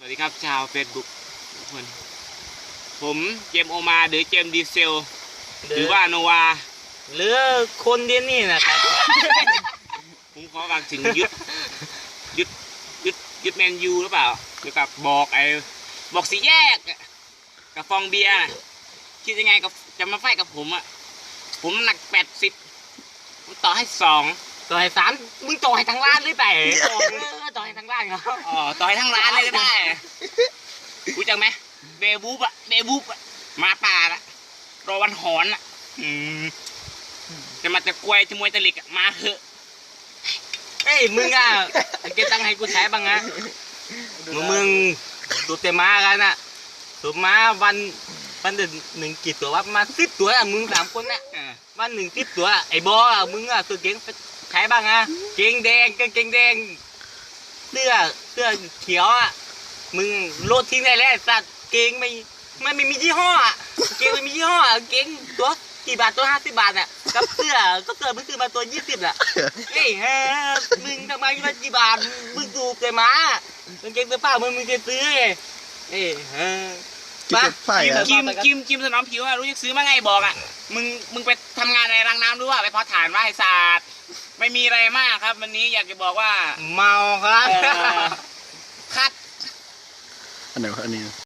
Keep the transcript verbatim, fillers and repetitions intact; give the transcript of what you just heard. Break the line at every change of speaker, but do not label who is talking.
วัสดีครับชาวเฟซบุ๊กทุกคนผมเจมโอมาหรือเจมดีเซลหรือว่าโนวา
หรือคนเดียนี่นะครับ
ผมขอฝากถึงยึดยึดยึดยึดแมนยูหรือเปล่าเกี่ยวกับบอกไอ้บอกสีแยกกับฟองเบียร์คิดยังไงกับจะมาไฟกับผมอ่ะผมหนักแปดสิบต่อให้สอง
ต่อให้สามมึงต่อให้ทั้งร้านหรือเปล่าต่อต่อให้ทั้งร้านเหรอ
อ๋อต่อให้ทั้งร้านเลยก็ได้รู้จักไหมเบบูบอะเบบูบอะมาป่าละรอวันหอนอะอืมจะมาจะกวยจะมวยตะลิกอะมาเถอะ
เอ้ยมึงอ่ะเก็บตังค์ให้กูใช้บ้างนะมึงมึงตัวเต็มมากันอ่ะตัวมาวันวันหนึ่งกี่ตัววะมาสิบตัวอ่ะมึงสามคนน่ะวันหนึ่งสิบตัวไอ้บออ่ะมึงอ่ะตัวเก่งใช้บ้างอ่ะเก่งแดงเก่งแดงเสื้อเสื้อเขียวอ่ะมึงโลดทิ้งได้แล้วสัตว์เก่งไม่ไม่ไม่มียี่ห้ออ่ะเก่งไม่มียี่ห้อเก่งตัวกี่บาทตัวห้าสิบบาทอ่ะกับเสื้อก็เสื้อมึงซื้อมาตัวยี่สิบอ่ะเฮ้ยฮะมึงทำไมมากี่บาทมึงดูเกมามึงเก่งตัวเปล่ามึงมึงจะซื้อเอ้ยฮะ
กิมกิมกิมสนอมผิวอะรู้จักซื้อมาไงบอกอ่ะมึงมึงไปทำงานในรังน้ำด้วยว่าไปเพาะถ่านว่าไอ้ศาสตร์ไม่มีอะไรมากครับวันนี้อยากจะบอกว่า
เมาครับ
คัด
อันไหนวะอันนี้